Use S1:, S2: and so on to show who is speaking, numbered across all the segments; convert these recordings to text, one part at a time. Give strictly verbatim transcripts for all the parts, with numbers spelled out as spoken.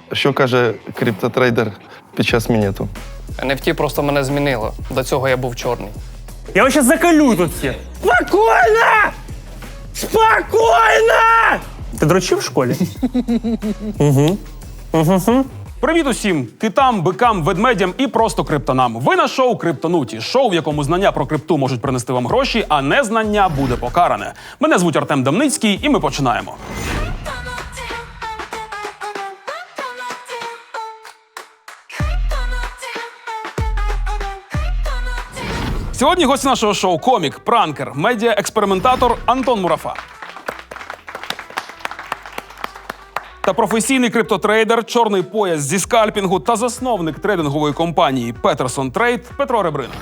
S1: Що каже криптотрейдер під час мінету?
S2: ен еф ті просто мене змінило. До цього я був чорний.
S3: Я вас сейчас заколю тут всіх. Спокійно! Спокійно! Ти дрочив в школі? Угу. Угу.
S4: Привіт усім китам, бикам, ведмедям і просто криптонам. Ви на шоу «Криптонуті». Шоу, в якому знання про крипту можуть принести вам гроші, а незнання буде покаране. Мене звуть Артем Дамницький, і ми починаємо. Сьогодні гость нашого шоу – комік, пранкер, медіа-експериментатор Антон Мурафа. Та професійний криптотрейдер, чорний пояс зі скальпінгу та засновник трейдингової компанії Peterson Trade Петро Ребрина.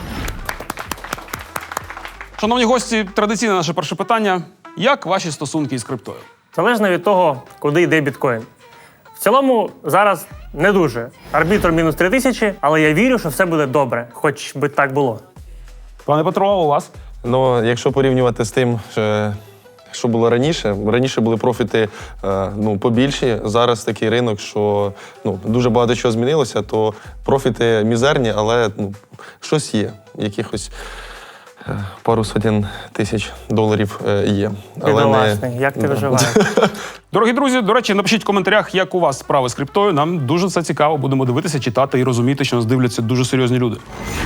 S4: Шановні гості, традиційне наше перше питання. Як ваші стосунки із криптою?
S3: Залежно від того, куди йде біткоін. В цілому, зараз не дуже. Арбітр мінус три тисячі, але я вірю, що все буде добре, хоч би так було.
S4: Пане Петро, у вас?
S1: Ну, якщо порівнювати з тим, що, що було раніше, раніше були профіти е, ну, побільші, зараз такий ринок, що ну, дуже багато чого змінилося, то профіти мізерні, але ну, щось є, якихось е, пару сотень тисяч доларів е, є. Але
S3: Бідолашний, як ти виживаєш?
S4: Дорогі друзі, до речі, напишіть в коментарях, як у вас справи з криптою. Нам дуже це цікаво, будемо дивитися, читати і розуміти, що нас дивляться дуже серйозні люди.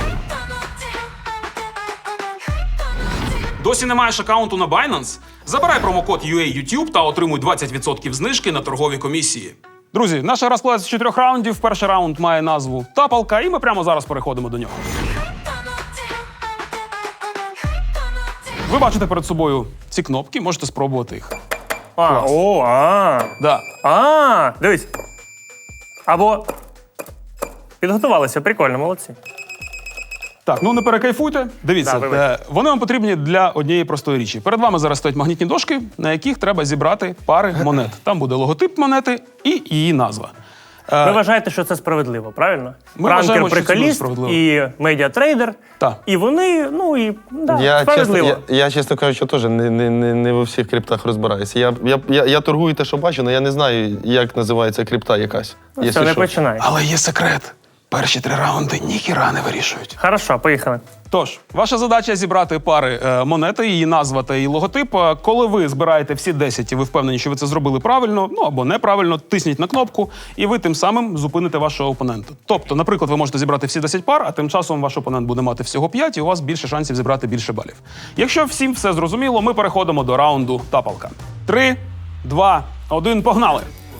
S4: Досі не маєш аккаунту на Binance? Забирай промокод ю ей ютуб та отримуй двадцять відсотків знижки на торгові комісії. Друзі, наша гра складається з чотирьох раундів. Перший раунд має назву «Тапалка», і ми прямо зараз переходимо до нього. Ви бачите перед собою ці кнопки, можете спробувати їх.
S3: А, о, а,
S4: Да.
S3: а, дивись. Або підготувалися, прикольно, молодці.
S4: Так, ну не перекайфуйте. Дивіться,
S3: Да,
S4: е, вони вам потрібні для однієї простої річі. Перед вами зараз стоять магнітні дошки, на яких треба зібрати пари монет. Там буде логотип монети і її назва.
S3: Ви вважаєте, що це справедливо, правильно?
S4: Ми вважаємо, що це дуже
S3: Пранкер-приколіст
S4: справедливо.
S3: і медіатрейдер.
S4: Так.
S3: І вони, ну і да,
S1: Я, чесно,
S3: справедливо.
S1: я, я, чесно кажучи, теж не, не, не, не во всіх криптах розбираюся. Я, я, я, я торгую те, що бачу, але я не знаю, як називається крипта якась.
S3: Ну,
S1: якщо
S3: все, не
S1: що.
S3: починай.
S4: Але є секрет. Перші три раунди ніхіра не вирішують.
S3: Хорошо, поїхали.
S4: Тож, ваша задача зібрати пари е, монети, її назва та її логотип. Е, Коли ви збираєте всі десять і ви впевнені, що ви це зробили правильно, ну або неправильно, тисніть на кнопку, і ви тим самим зупините вашого опонента. Тобто, наприклад, ви можете зібрати всі десять пар, а тим часом ваш опонент буде мати всього п'ять, і у вас більше шансів зібрати більше балів. Якщо всім все зрозуміло, ми переходимо до раунду «Тапалка». Три, два, один, погнали!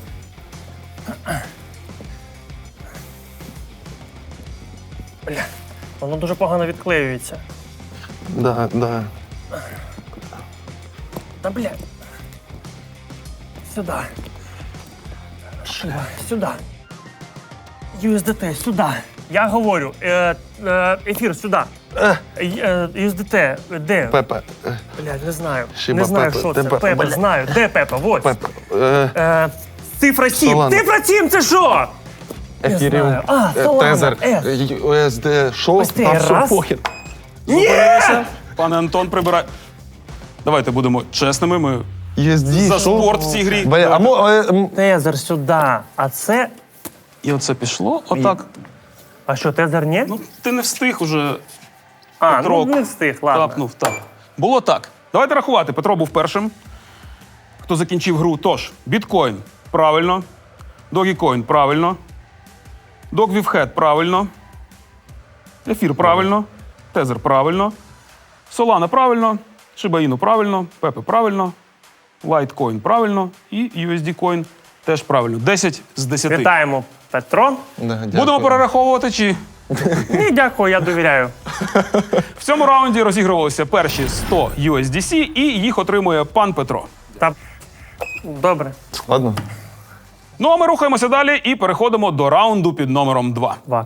S3: Бля, воно дуже погано відклеюється.
S1: Да, да.
S3: Та бля. Сюди. Шиба, сюди. ю ес ді ти, сюди. Я говорю, е, е, ефір сюди. Е, е, ю ес ді ти, де?
S1: Пепе. е,
S3: Блядь, не знаю.
S1: Шиба,
S3: не знаю,
S1: Пепе,
S3: що
S1: де
S3: це.
S1: Пепе?
S3: Пепе,
S1: Бля.
S3: знаю. Де Пепе? Вот.
S1: Пепе. Е,
S3: Е, цифра сім.
S1: Солана.
S3: Цифра сім, це що?
S1: Ефіріум,
S3: знаю. А,
S1: е,
S3: Солана,
S1: Тезер,
S3: С.
S1: ю ес ді, що?
S3: Ось ти,
S1: А, все,
S3: раз.
S1: похер.
S4: Зупинилися. Пане Антон, прибирай. Давайте будемо чесними. Ми
S1: ю ес ді,
S4: за
S1: що?
S4: спорт в цій грі.
S1: Бля, а мо, е, м,
S3: Тезер сюди. А це...
S4: І оце пішло. Отак.
S3: А що, тезер ні?
S4: Ну, ти не встиг уже.
S3: а,
S4: Петро
S3: ну не встиг, ладно.
S4: Тапнув, так. Було так. Давайте рахувати. Петро був першим, хто закінчив гру. Тож, біткоін – правильно. Догікоін – правильно. Догвівхед – правильно. Ефір – правильно. Тезер – правильно. Солана – правильно. Шибаїну – правильно. Пепе – правильно. Лайткоін – правильно. І ю ес ді Coin теж правильно. десять з десяти.
S3: Вітаємо, Петро.
S1: да, дякую.
S4: Будемо перераховувати чи...
S3: Ні, дякую, я довіряю.
S4: В цьому раунді розігрувалися перші сто ю ес ді сі, і їх отримує пан Петро.
S3: Та... Добре.
S1: Ладно.
S4: Ну а ми рухаємося далі і переходимо до раунду під номером два.
S3: Два.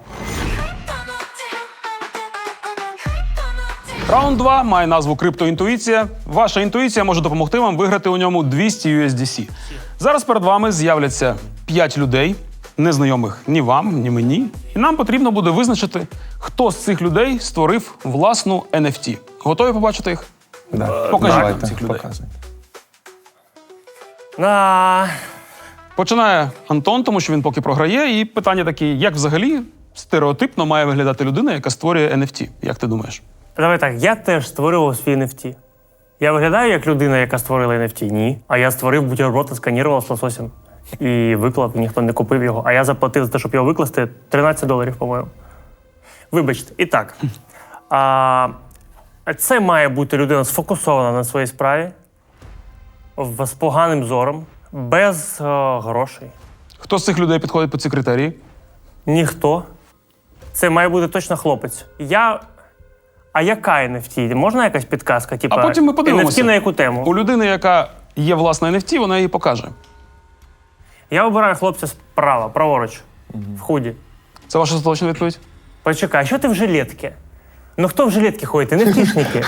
S4: Раунд два має назву «Криптоінтуїція». Ваша інтуїція може допомогти вам виграти у ньому двісті ю ес ді сі. Зараз перед вами з'являться п'ять людей, незнайомих ні вам, ні мені. І нам потрібно буде визначити, хто з цих людей створив власну ен еф ті. Готові побачити їх?
S1: Да.
S4: Покажіть нам
S1: Давайте,
S4: цих людей.
S1: показуйте.
S3: На...
S4: Починає Антон, тому що він поки програє. І питання таке, як взагалі стереотипно має виглядати людина, яка створює ен еф ті? Як ти думаєш?
S3: Давай так, я теж створював свій ен еф ті. Я виглядаю як людина, яка створила ен еф ті? Ні. А я створив бутерброд, сканірував з лососем. І виклав, і ніхто не купив його. А я заплатив за те, щоб його викласти, тринадцять доларів, по-моєму. Вибачте. І так. А, це має бути людина сфокусована на своїй справі, в- з поганим зором, без е, грошей.
S4: Хто з цих людей підходить по ці критерії?
S3: Ніхто. Це має бути точно хлопець. Я. А яка ен еф ті? Можна якась підказка? Типа,
S4: А потім ми подивимося.
S3: ен еф ті на яку тему?
S4: У людини, яка є власна ен еф ті, вона її покаже.
S3: Я обираю хлопця справа, праворуч, в худі.
S4: Це ваша остаточна відповідь?
S3: Почекай, що ти в жилетці? Ну хто в жилетці ходить? Не втішники.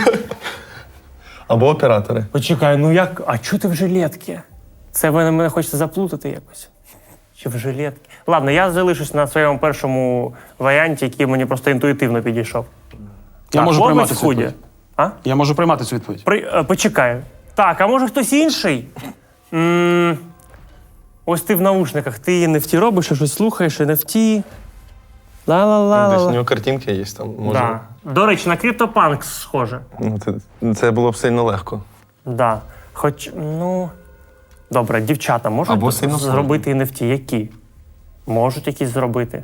S1: Або оператори.
S3: Почекай, ну як? А чого ти в жилетці? Це мене, мене хочеться заплутати якось. Чи в жилетці? Ладно, я залишусь на своєму першому варіанті, який мені просто інтуїтивно підійшов.
S4: Я
S3: Так,
S4: можу
S3: хлопець
S4: приймати
S3: в
S4: цю
S3: худі.
S4: відповідь.
S3: А?
S4: Я можу приймати цю відповідь.
S3: При, е, почекай. Так, а може хтось інший? м Ось ти в наушниках, ти ен еф ті робиш, щось слухаєш, ен еф ті.
S1: Десь у
S3: Ла-ла-ла.
S1: нього картинки є там. Може.
S3: Да. До речі, на CryptoPunk схоже.
S1: Ну, це, це було б сильно легко.
S3: Да. Хоч, ну. Добре, дівчата можуть
S1: Або сильно
S3: зробити ен еф ті? Які? Можуть якісь зробити.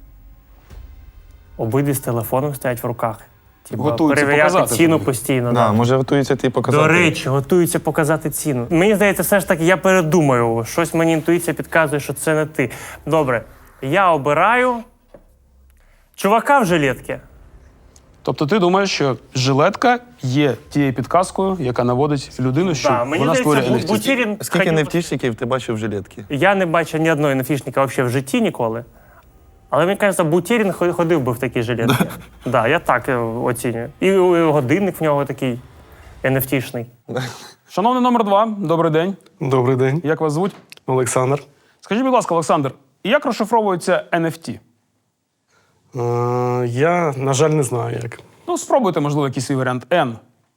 S3: Обидві з телефоном стоять в руках. Типа,
S4: Готуються
S3: перевіряти
S4: показати
S3: ціну
S4: тобі.
S3: постійно.
S1: Да,
S3: Да.
S1: може готується ти показати.
S3: До речі, готуються показати ціну. Мені здається, все ж таки я передумаю. Щось мені інтуїція підказує, що це не ти. Добре, я обираю чувака в жилетці.
S4: Тобто ти думаєш, що жилетка є тією підказкою, яка наводить людину, що
S3: Да, мені
S4: вона створює ен
S3: здається,
S4: еф ті?
S3: Бутірін...
S1: Скільки
S3: хотів-
S1: нефтішників ти бачив в жилетці?
S3: Я не бачив ні одної НФТшника взагалі в житті ніколи. Але мені кажеться, Бутєрін хо- ходив би в такій жилетці. Так, да, я так е, оцінюю. І е, годинник в нього такий ен еф ті-шний.
S4: Шановний номер два, добрий день.
S5: Добрий день,
S4: Як вас звуть?
S5: Олександр.
S4: Скажіть, будь ласка, Олександр, як розшифровується ен еф ті?
S5: Е, я, на жаль, не знаю як.
S4: Ну, спробуйте, можливо, якийсь свій варіант. N.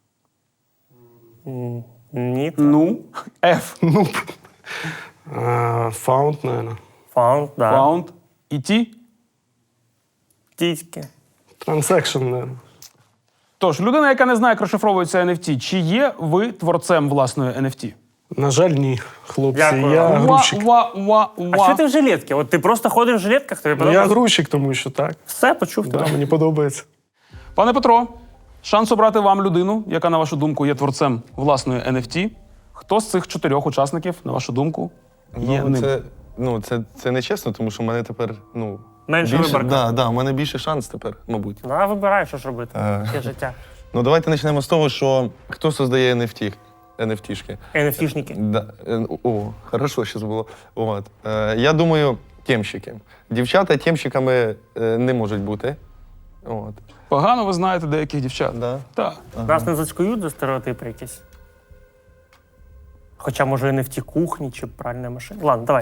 S3: Ні,
S4: Ну. F.
S5: Ну, е, found, наверное.
S3: фаунд, да.
S4: Found. І T.
S3: Тітьки.
S5: Transaction, наверное.
S4: Тож, людина, яка не знає, як розшифровується ен еф ті, чи є ви творцем власної ен еф ті?
S5: На жаль, ні, хлопці.
S3: Дякую.
S5: Я
S3: Уа,
S5: грузчик.
S4: Уа, уа, уа,
S3: А що ти в жилетці? От ти просто ходиш в жилетках, тобі
S5: Ну, я
S3: подобається?
S5: грузчик, тому що так.
S3: Все, почув
S5: Да,
S3: тебе.
S5: мені подобається.
S4: Пане Петро, шанс обрати вам людину, яка, на вашу думку, є творцем власної ен еф ті. Хто з цих чотирьох учасників, на вашу думку, є
S1: Ну,
S4: ним?
S1: це, ну, це, це не чесно, тому що в мене тепер, ну.
S3: Менше
S1: більше,
S3: виборка.
S1: да, да, в мене більше шанс тепер, мабуть.
S3: Ну, а вибирай, що ж робити.
S1: Е.
S3: Таке життя.
S1: Ну, давайте почнемо з того, що хто создає ен еф ті? ен еф ті-шки.
S3: ен еф ті-шники.
S1: Да. е, О, хорошо зараз було. От. Е, я думаю, темщики. Дівчата темщиками е, не можуть бути. От.
S4: Погано ви знаєте деяких дівчат.
S1: Да.
S4: Так.
S3: Нас не зацькують за стереотипи якісь. Хоча, може, ен еф ті кухні чи пральна машина. Ладно, давай.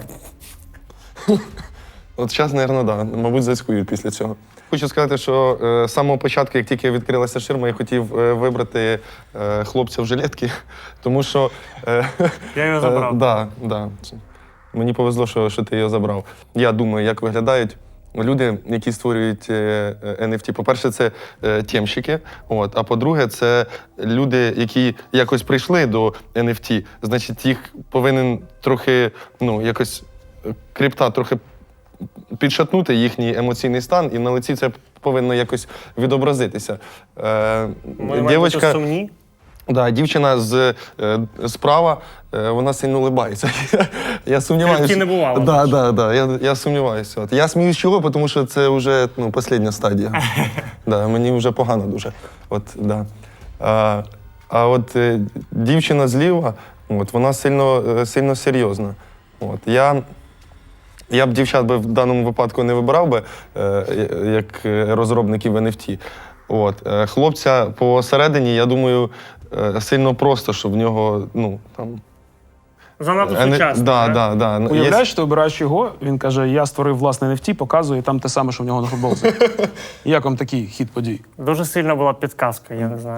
S1: От зараз, мабуть, да. Мабуть, зацькують після цього. Хочу сказати, що е, з самого початку, як тільки відкрилася ширма, я хотів е, вибрати е, хлопця в жилетці, тому що. Е,
S3: Я його забрав.
S1: Е, да, да. Мені повезло, що, що ти його забрав. Я думаю, як виглядають люди, які створюють е, ен еф ті. По-перше, це е, темщики, от, а по-друге, це люди, які якось прийшли до ен еф ті. Значить, їх повинен трохи, ну, якось е, крипта трохи підшатнути їхній емоційний стан, і на лиці це повинно якось відобразитися. Е,
S3: Ми маємо бути сумні.
S1: Да, дівчина з е, справа, е, вона сильно улибається. Я сумніваюся.
S3: Крипті не бувало.
S1: Да, да, да, я, я сумніваюся. От. Я сміюсь чого, тому що це вже ну, остання стадія. Да, мені вже погано дуже. От, да. а, а от е, дівчина зліва, от, вона сильно, е, сильно серйозна. От. Я, я б дівчат би в даному випадку не вибирав би, е, як розробників ен еф ті. От. Е, Хлопця посередині, я думаю, е, сильно просто, що в нього, ну, там...
S3: Занадто
S1: Е, не-
S3: сучасно.
S1: да,
S3: так?
S1: да, да. Є-
S4: Уявляєш, ти обираєш його, він каже, я створив власне ен еф ті, показує там те саме, що в нього на футболці. Як вам такий хід подій?
S3: Дуже сильна була підказка, я не знаю.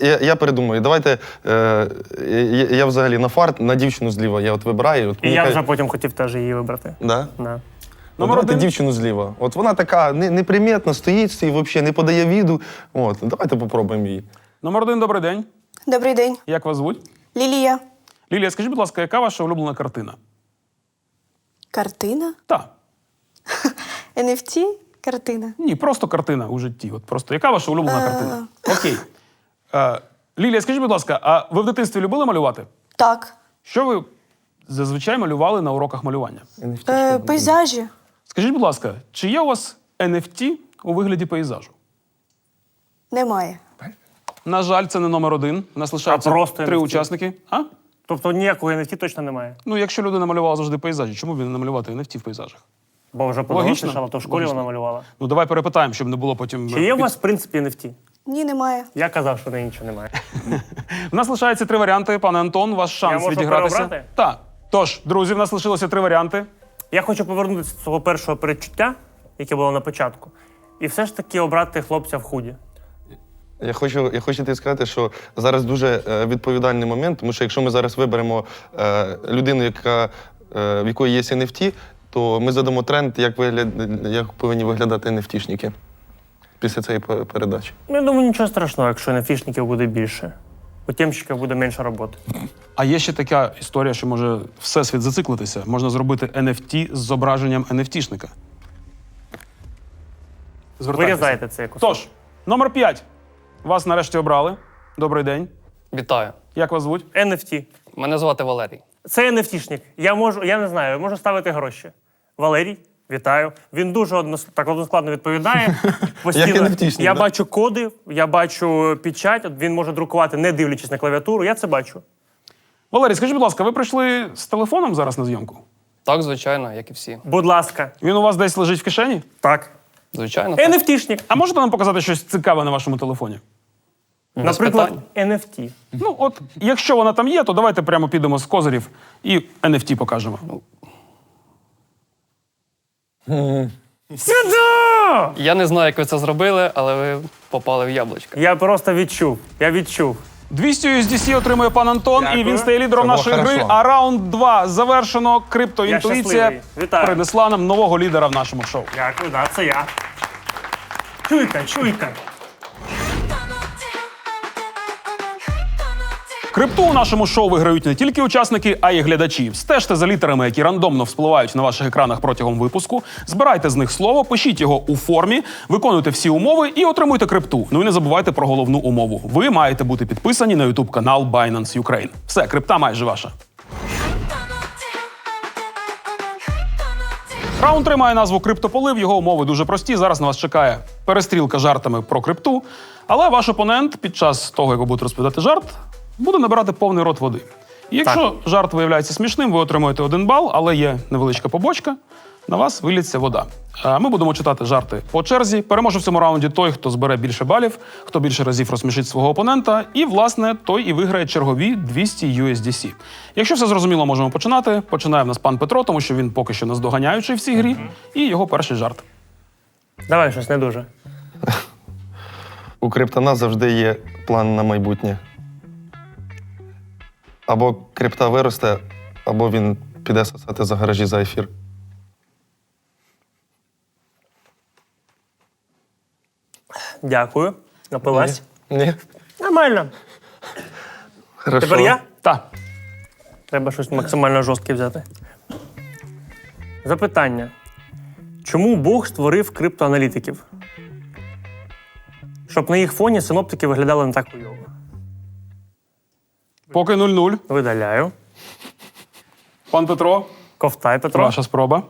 S1: Я, я передумаю. Давайте. Е, я, я взагалі на фарт, на дівчину зліва. Я от вибираю. От
S3: І
S1: мені
S3: я
S1: кай-
S3: вже потім хотів теж її вибрати.
S1: Да?
S3: Да.
S1: От
S4: Номер
S1: давайте
S4: один.
S1: дівчину зліва. От вона така не- неприметна, стоїть і взагалі не подає віду. От, давайте попробуємо її.
S4: Номер один, добрий день.
S6: Добрий день.
S4: Як вас звуть?
S6: Лілія.
S4: Лілія, скажіть, будь ласка, яка ваша улюблена картина?
S6: Картина?
S4: Так.
S6: ен еф ті? Картина.
S4: Ні, просто картина у житті. От просто яка ваша улюблена картина? Окей. Е, Лілія, скажіть, будь ласка, а ви в дитинстві любили малювати?
S6: Так.
S4: Що ви зазвичай малювали на уроках малювання?
S6: Е, пейзажі.
S4: Скажіть, будь ласка, чи є у вас ен еф ті у вигляді пейзажу?
S6: Немає.
S4: На жаль, це не номер один. У нас лишається
S3: А просто
S4: три
S3: ен еф ті?
S4: учасники. А?
S3: Тобто ніякого ен еф ті точно немає.
S4: Ну, якщо людина малювала завжди пейзажі, чому б не намалювати ен еф ті в пейзажах?
S3: Бо вже
S4: Логічно.
S3: подорослішала, то в школі
S4: Логічно.
S3: вона малювала.
S4: Ну, давай перепитаємо, щоб не було потім...
S3: Чи є у
S4: під-
S3: вас, в принципі, ен еф ті?
S6: Ні, немає.
S3: Я казав, що в неї нічого немає.
S4: У нас лишається три варіанти. Пане Антон, ваш шанс
S3: можу
S4: відігратися.
S3: переобрати?
S4: Так. Тож, друзі, в нас лишилося три варіанти.
S3: Я хочу повернутися до свого першого передчуття, яке було на початку, і все ж таки обрати хлопця в худі.
S1: Я хочу, я хочу тобі сказати, що зараз дуже е, відповідальний момент, тому що якщо ми зараз виберемо е, людину, яка, е, в якої є ен еф ті, то ми задамо тренд, як, вигляд, як повинні виглядати ен еф тішники після цієї пе- передачі.
S3: Ну, я думаю, нічого страшного, якщо ен еф тішників буде більше. У темщиків буде менше роботи.
S4: А є ще така історія, що може всесвіт зациклитися. Можна зробити ен еф ті з зображенням ен еф тішника. Звертайтеся.
S3: Вирізайте це якось.
S4: Тож, номер п'ять. Вас нарешті обрали. Добрий день.
S2: Вітаю.
S4: Як вас звуть?
S3: ен еф ті.
S2: Мене звати Валерій.
S3: Це ен еф тішник. Я можу, я не знаю, я можу ставити гроші. Валерій, вітаю. Він дуже однос... так односкладно відповідає. Постійно.
S1: ен еф тішник,
S3: Я
S1: да?
S3: бачу коди, я бачу печать, от він може друкувати, не дивлячись на клавіатуру. Я це бачу.
S4: Валерій, скажіть, будь ласка, ви прийшли з телефоном зараз на зйомку?
S2: Так, звичайно, як і всі.
S3: Будь ласка.
S4: Він у вас десь лежить в кишені?
S3: Так.
S2: Звичайно. так.
S3: ен еф тішник.
S4: А можете нам показати щось цікаве на вашому телефоні?
S2: Без
S3: Наприклад,
S2: питань.
S3: ен еф ті.
S4: Ну, от, якщо вона там є, то давайте прямо підемо з козирів і ен еф ті покажемо.
S3: Сюди!
S2: Я не знаю, як ви це зробили, але ви попали в яблучко.
S3: Я просто відчув. Я відчув.
S4: двісті ю ес ді сі отримує пан Антон,
S3: Дякую.
S4: і він стає лідером
S1: Це було
S4: нашої гри.
S1: хорошо.
S4: А раунд два завершено.
S3: Я
S4: Криптоінтуїція
S3: щасливий. Вітаю.
S4: принесла нам нового лідера в нашому шоу.
S3: Дякую, да, це я. Чуйка, чуйка.
S4: Крипту у нашому шоу виграють не тільки учасники, а й глядачі. Стежте за літерами, які рандомно вспливають на ваших екранах протягом випуску. Збирайте з них слово, пишіть його у формі, виконуйте всі умови і отримуйте крипту. Ну і не забувайте про головну умову. Ви маєте бути підписані на ютуб канал Binance Ukraine. Все, крипта майже ваша. Раунд три має назву «Криптополив». Його умови дуже прості. Зараз на вас чекає перестрілка жартами про крипту. Але ваш опонент під час того, як ви будете розповідати жарт, буде набирати повний рот води. І якщо жарт виявляється смішним, ви отримуєте один бал, але є невеличка побочка. На вас виліться вода. А ми будемо читати жарти по черзі. Переможе в цьому раунді той, хто збере більше балів, хто більше разів розсмішить свого опонента. І, власне, той і виграє чергові двісті ю ес ді сі. Якщо все зрозуміло, можемо починати. Починає в нас пан Петро, тому що він поки що наздоганяючий в цій грі. І його перший жарт.
S3: Давай щось не дуже.
S1: У криптона завжди є план на майбутнє. Або крипта виросте, або він піде сосати за гаражі за ефір.
S3: Дякую. Напилась.
S1: Ні.
S3: Нормально.
S1: Хорошо.
S3: Тепер я?
S4: Та.
S3: Треба щось максимально жорстке взяти. Запитання. Чому Бог створив криптоаналітиків? Щоб на їх фоні синоптики виглядали не так хуйово.
S4: Поки нуль-нуль.
S3: Видаляю.
S4: Пан Петро,
S3: Ковтай, Петро.
S4: ваша спроба.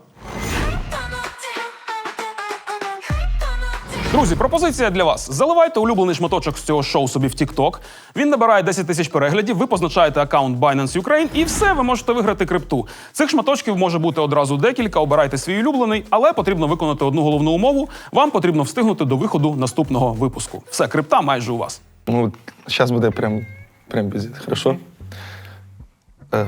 S4: Друзі, пропозиція для вас. Заливайте улюблений шматочок з цього шоу собі в TikTok. Він набирає десять тисяч переглядів, ви позначаєте аккаунт Binance Ukraine і все, ви можете виграти крипту. Цих шматочків може бути одразу декілька, обирайте свій улюблений, але потрібно виконати одну головну умову. Вам потрібно встигнути до виходу наступного випуску. Все, крипта майже у вас.
S1: Ну, зараз буде прям, прям бізит. Хорошо? Е.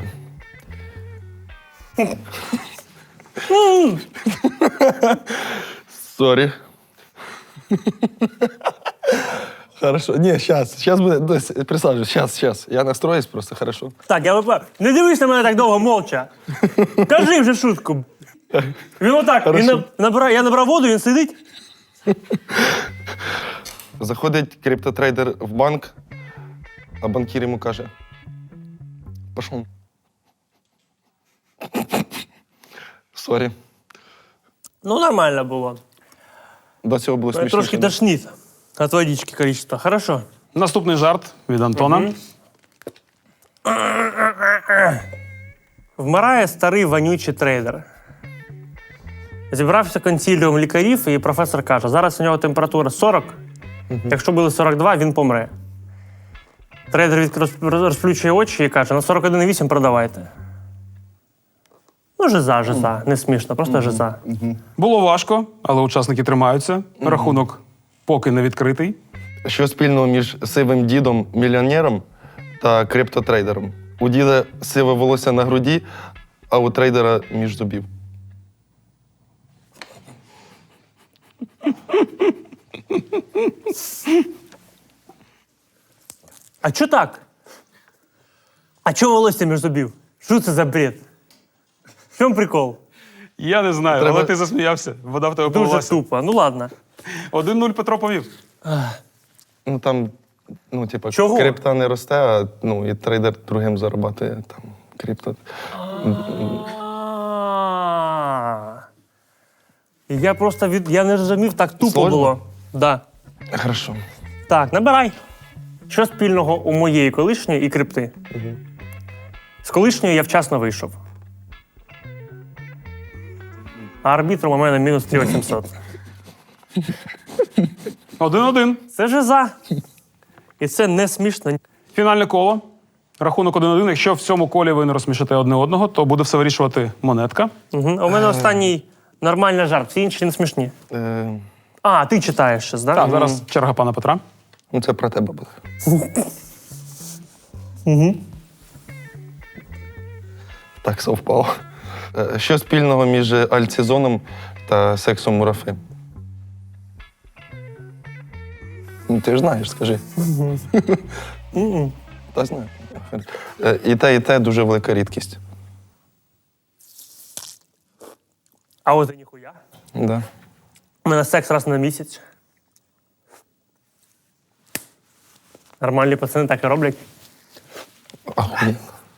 S1: Сорі. Хорошо. Ні, зараз, зараз буде. Присаджуйся, зараз, зараз. Я настроюсь просто, хорошо.
S3: Так, я випав. Не дивись на мене так довго, молча. Кажи вже шутку. Він отак, він
S1: Хорошо.
S3: набирає, я набрав воду, він сидить.
S1: Заходить криптотрейдер в банк, а банкір йому каже: пішов. Сорі.
S3: Ну, нормально було.
S1: До цього було смішніше.
S3: Трошки
S1: да?
S3: тошнит от водички количество. Хорошо.
S4: Наступний жарт від Антона.
S3: Вмирає старий вонючий трейдер. Зібрався консиліум лікарів, і професор каже, зараз у нього температура сорок, якщо буде сорок два, він помре. Трейдер відкр- розплющує очі і каже, на сорок один і вісім продавайте. Ну, жиза, жиза. Не смішно, просто жиза.
S4: Було важко, але учасники тримаються. Рахунок поки не відкритий.
S1: Що спільного між сивим дідом, мільйонером та криптотрейдером? У діда сиве волосся на груді, а у трейдера між зубів.
S3: А чо так? А чо волосся між зубів? Що це за бред? В чому прикол?
S4: Я не знаю,
S1: Треба-
S4: але ти засміявся. Вода в тебе
S3: Дуже
S4: полилася.
S3: тупо. Ну ладно.
S4: один нуль Петро повів.
S1: Ну там, ну, типа,
S3: Чого?
S1: крипта не росте, а ну, і трейдер другим зарабатує там крипто.
S3: А. Я просто від. Я не розумів, так тупо
S1: Сложно?
S3: було. Да.
S1: Хорошо.
S3: Так, набирай. Що спільного у моєї колишньої і крипти? З колишньої я вчасно вийшов. А арбітром у мене мінус три тисячі вісімсот.
S4: один-один.
S3: Це жиза. І це не смішно.
S4: Фінальне коло. Рахунок один-один. Якщо в цьому колі ви не розсмішите одне одного, то буде все вирішувати монетка.
S3: Угу. А у мене останній нормальний жарт, всі інші не смішні.
S1: Е,
S3: А, ти читаєш щось, так?
S4: Так, зараз черга пана Петра.
S1: ну, це про тебе буде. Так совпало. Е, Що спільного між альцизоном та сексом мурафи? Ну, ти ж знаєш, скажи. Та знаю. Е, І те, і те дуже велика рідкість.
S3: А от і ніхуя.
S1: Да.
S3: У мене секс раз на місяць. Нормальні пацани так і роблять.
S1: Ахуєнно.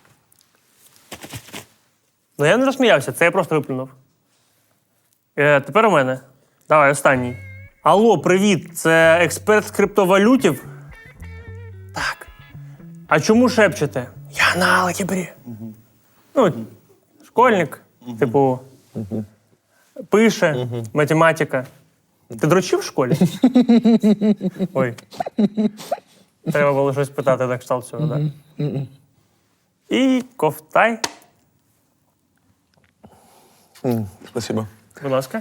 S3: Ну я не розсміявся, це я просто виплюнув. Е, тепер у мене. Давай, останній. Алло, привіт, це експерт з криптовалютів? Так. А чому шепчете? Я на алгебрі. Ну, школьник, типу, пише, математика. Ти дрочив в школі? Ой. Треба було щось питати на кшталт цього, так? І ковтай.
S1: М, Спасибо.
S3: Будь ласка.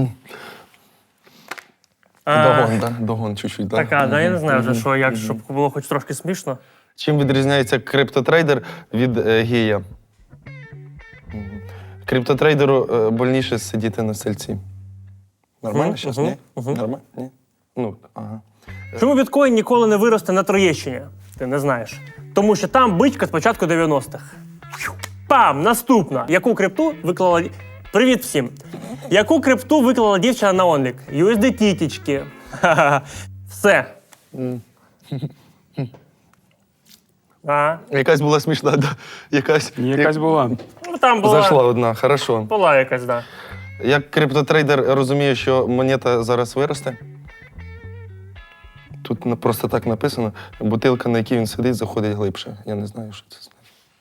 S1: Догон, да? Догон чуть-чуть, да?
S3: Так, а, да, я не знаю вже, що, як, щоб було хоч трошки смішно.
S1: Чим відрізняється криптотрейдер від е, гея? Мгм. Криптотрейдеру е, больніше сидіти на стільці. Нормально
S3: Мгм,
S1: зараз?
S3: мгм,
S1: Ні? Нормально? Ні? Ну, ага.
S3: Чому біткоін ніколи не виросте на Троєщині? Ти не знаєш. Тому що там бичка з початку дев'яностих. Пам! Наступна. Яку крипту виклала... ді- Привіт всім! Яку крипту виклала дівчина на онлік? ю ес ді ті-тічки. Ха-ха-ха. Все. А?
S1: Якась була смішна, да? Якась,
S4: Ні, якась була.
S3: Ну, там була,
S1: Зайшла одна, хорошо.
S3: була якась, да.
S1: Як криптотрейдер розуміє, що монета зараз виросте? Тут на- просто так написано. Бутилка, на якій він сидить, заходить глибше. Я не знаю, що це значить.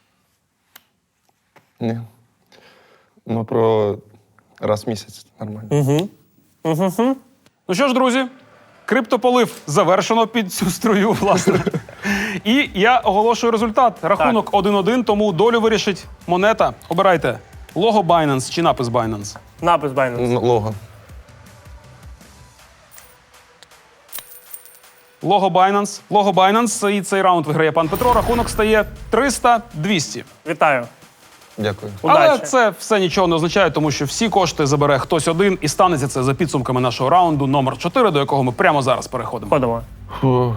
S1: Ні. Ну, про раз в місяць нормально.
S4: Ну що ж, друзі, криптополив завершено під цю струю, власне. І я оголошую результат. Рахунок один-один, тому долю вирішить монета. Обирайте лого Binance чи напис Binance.
S3: Напис Binance.
S1: Ну, Лого.
S4: Лого Binance. Лого Binance. І цей раунд виграє пан Петро. Рахунок стає триста двісті.
S3: Вітаю.
S1: Дякую.
S4: Але
S3: Удачі.
S4: це все нічого не означає, тому що всі кошти забере хтось один, і станеться це за підсумками нашого раунду номер чотири, до якого ми прямо зараз переходимо.
S3: Ходимо.
S1: Фу.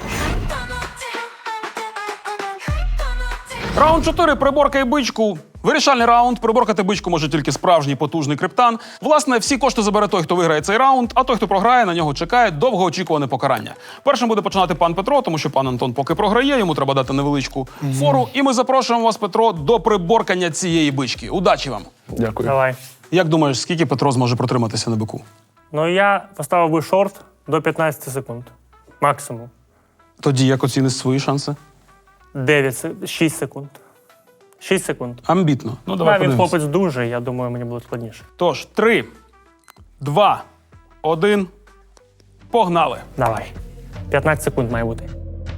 S4: Раунд чотири. Приборкай бичку. Вирішальний раунд. Приборкати бичку може тільки справжній потужний криптан. Власне, всі кошти забере той, хто виграє цей раунд, а той, хто програє, на нього чекає довгоочікуване покарання. Першим буде починати пан Петро, тому що пан Антон поки програє, йому треба дати невеличку фору. І ми запрошуємо вас, Петро, до приборкання цієї бички. Удачі вам!
S1: Дякую.
S3: Давай.
S4: Як думаєш, скільки Петро зможе протриматися на бику?
S3: Ну я поставив би шорт до п'ятнадцяти секунд. Максимум.
S4: Тоді як оціниш свої шанси?
S3: дев'ять, се- шість секунд. шість секунд.
S4: Амбітно. Ну, давай
S3: Да, він
S4: подивимось.
S3: хлопець дуже, я думаю, мені буде складніше.
S4: Тож, три, два, один. Погнали.
S3: Давай. п'ятнадцять секунд має бути.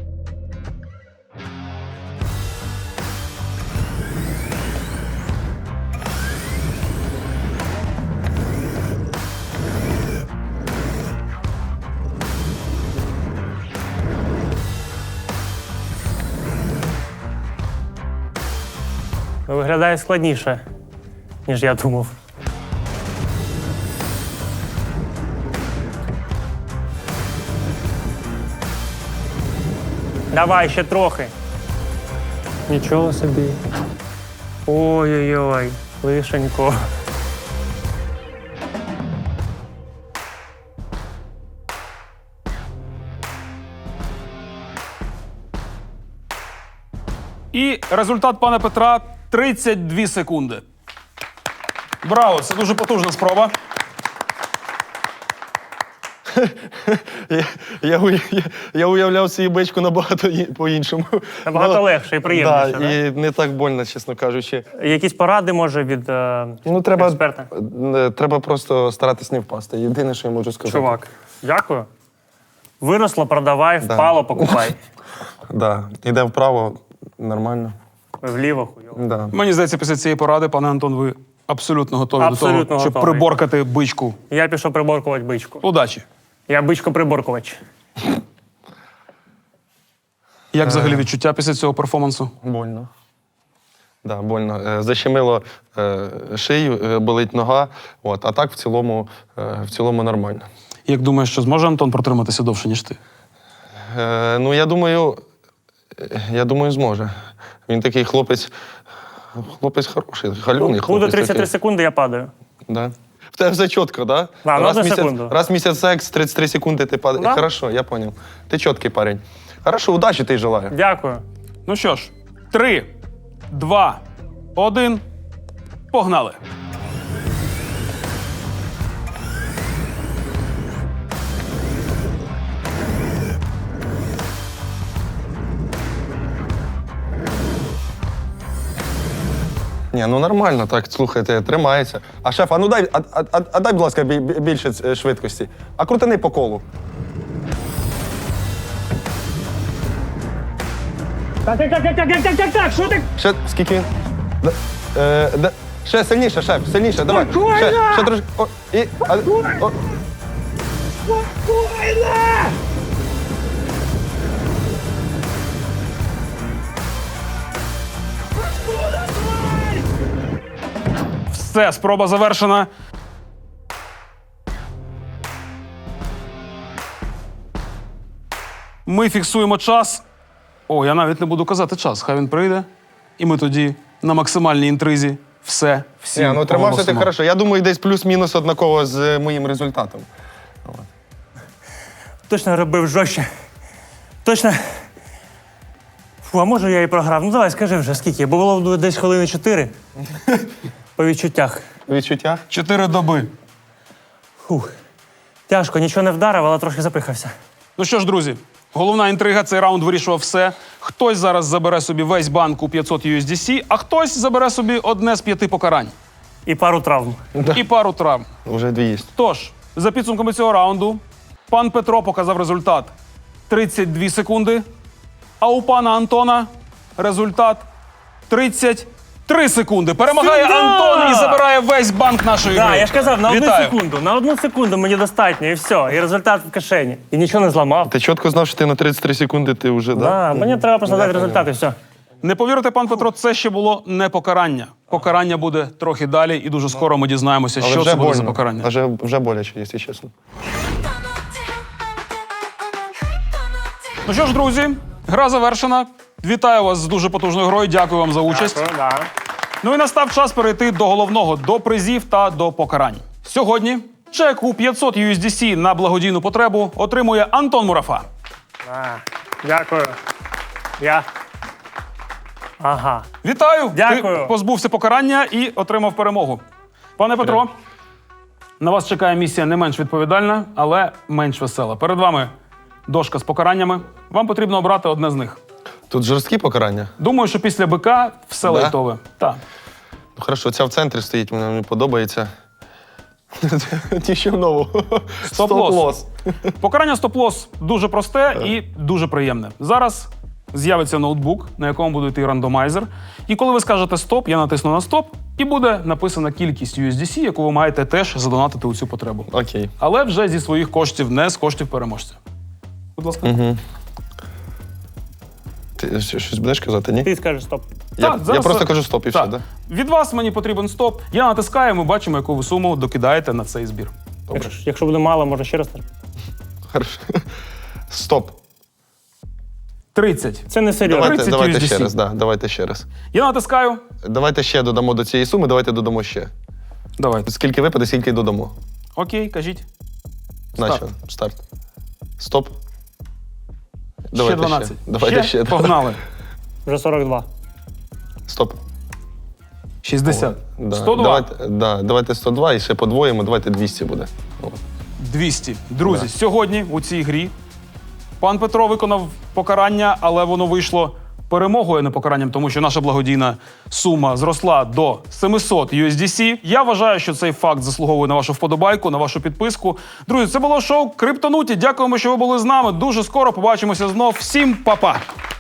S3: Ну, виглядає складніше, ніж я думав. Давай, ще трохи. Нічого собі. Ой-ой-ой, лишенько.
S4: І результат пана Петра тридцять дві секунди. Браво! Це дуже потужна спроба.
S1: Я, я, уя- я, я уявляв свою бичку набагато і- по-іншому.
S3: Набагато
S1: Ну,
S3: легше і приємніше,
S1: Да, і не так больно, чесно кажучи.
S3: Якісь поради, може, від е,
S1: Ну, треба,
S3: експерта?
S1: е, треба просто старатись не впасти. Єдине, що я можу сказати.
S3: Чувак, дякую. Виросло, продавай, впало, покупай.
S1: Да. Іде вправо, нормально.
S3: Вліво, хуйово.
S1: Да.
S4: Мені здається, після цієї поради, пане Антон, ви абсолютно готові
S3: Абсолютно
S4: до того, щоб
S3: готовий.
S4: приборкати бичку.
S3: Я пішов приборкувати бичку.
S4: Удачі!
S3: Я бичко-приборкувач.
S4: Як взагалі відчуття після цього перформансу?
S1: Больно. Да, больно. Е, Защемило е, шию, е, болить нога. От. А так в цілому, е, в цілому нормально.
S4: Як думаєш, що зможе Антон протриматися довше, ніж ти?
S1: Е, ну, я думаю, е, я думаю, зможе. Він такий хлопець, хлопець хороший, халюний хлопець.
S3: Буде тридцять три
S1: такий.
S3: секунди, я падаю.
S1: Да. В тебе все чітко, да?
S3: Да, ну,
S1: раз,
S3: одну
S1: місяць,
S3: секунду.
S1: раз в місяць секс, тридцять три секунди ти падаєш.
S3: Да.
S1: Хорошо, я понял. Ти чіткий парень. Хорошо, удачі ти желаю.
S3: Дякую.
S4: Ну що ж, три, два, один. Погнали!
S1: Ні, ну нормально, так, слухайте, тримається. А шеф, а ну дай, а, а, а, а дай, будь ласка, бі- бі- більше е, швидкості. А крутини по колу.
S3: Так, так, так, так, так, так, так, так, що ти?
S1: Ще скільки він? Да, е, да, ще сильніше, шеф, сильніше, давай. Ще, ще трошки. О, і, а, о.
S4: Все, спроба завершена. Ми фіксуємо час. О, я навіть не буду казати час. Хай він прийде. І ми тоді на максимальній інтризі все, всі
S1: Ні, ну тримався ти
S4: оголосимо.
S1: хорошо. Я думаю, десь плюс-мінус однаково з е, моїм результатом.
S3: Точно робив жорстче. Точно. Фу, а може я і програв? Ну давай, скажи вже, скільки? Бо було десь хвилини чотири. По відчуттях.
S1: Відчуття?
S4: Чотири доби.
S3: Фух. Тяжко, нічого не вдарив, але трохи запихався.
S4: Ну що ж, друзі, головна інтрига, цей раунд вирішував все. Хтось зараз забере собі весь банк у п'ятсот ю ес ді сі, а хтось забере собі одне з п'яти покарань.
S3: І пару травм.
S4: І пару травм.
S1: Уже дві є.
S4: Тож, за підсумками цього раунду, пан Петро показав результат тридцять дві секунди, а у пана Антона результат тридцять три секунди. Перемагає
S3: Сюда!
S4: Антон і забирає весь банк нашої
S3: Так,
S4: гри.
S3: я ж казав, на одну
S4: Вітаю.
S3: секунду. На одну секунду мені достатньо, і все. І результат в кишені. І нічого не зламав.
S1: Ти чітко знав, що ти на тридцять три секунди ти вже, да?
S3: Да, мені треба просто дати результат, і все.
S4: Не повірите, пан Петро, це ще було не покарання. Покарання буде трохи далі, і дуже скоро ми дізнаємося,
S1: Але
S4: що
S1: вже
S4: це буде за
S1: больно.
S4: покарання.
S1: Вже, вже боляче, якщо чесно.
S7: Gonna
S4: Ну що ж, друзі, гра завершена. Вітаю вас з дуже потужною грою. Дякую вам за участь.
S3: Дякую, да.
S4: Ну і настав час перейти до головного, до призів та до покарань. Сьогодні чек у п'ятсот ю ес ді сі на благодійну потребу отримує Антон Мурафа.
S3: А, дякую. Я. Ага.
S4: Вітаю!
S3: Дякую.
S4: Ти позбувся покарання і отримав перемогу. Пане Петро, на вас чекає місія не менш відповідальна, але менш весела. Перед вами дошка з покараннями. Вам потрібно обрати одне з них.
S1: Тут жорсткі покарання.
S4: Думаю, що після бика все
S1: Да?
S4: лайтове. Так.
S1: Ну, хорошо, ця в центрі стоїть, мені мені подобається. Нічого нового.
S4: Стоп-лос. Покарання стоп-лос дуже просте і дуже приємне. Зараз з'явиться ноутбук, на якому буде йти рандомайзер. І коли ви скажете стоп, я натисну на стоп, і буде написана кількість ю ес ді сі, яку ви маєте теж задонатити у цю потребу.
S1: Окей.
S4: Але вже зі своїх коштів, не з коштів переможця. Будь ласка.
S1: Угу. Ти що- щось будеш казати, ні?
S3: Ти скажеш стоп.
S1: Я,
S4: Так,
S1: я
S4: зараз-
S1: просто кажу стоп і все,
S4: Так.
S1: да?
S4: Від вас мені потрібен стоп. Я натискаю, ми бачимо, яку ви суму докидаєте на цей збір. Добре.
S3: Якщо, якщо буде мало, може ще раз.
S1: Хорошо. Стоп.
S4: тридцять.
S3: Це не серйозно.
S1: Давайте,
S4: тридцять
S1: давайте
S4: ю ес ді сі.
S1: ще раз, да, давайте ще раз.
S4: Я натискаю.
S1: Давайте ще додамо до цієї суми, давайте додамо ще.
S4: Давайте.
S1: Скільки випаде, скільки й додамо.
S4: Окей, кажіть.
S1: Наче, старт. Стоп.
S4: ще дванадцять.
S1: Давайте ще.
S4: Погнали.
S3: Вже сорок два.
S1: Стоп.
S4: шістдесят.
S1: Да.
S4: сто два.
S1: Давайте, да, давайте сто два і ще подвоїмо, давайте двісті буде. О.
S4: двісті. Друзі, сьогодні у цій грі пан Петро виконав покарання, але воно вийшло перемогою, а не покаранням, тому що наша благодійна сума зросла до семисот ю ес ді сі. Я вважаю, що цей факт заслуговує на вашу вподобайку, на вашу підписку. Друзі, це було шоу Криптонуті. Дякуємо, що ви були з нами. Дуже скоро побачимося знов. Всім па-па!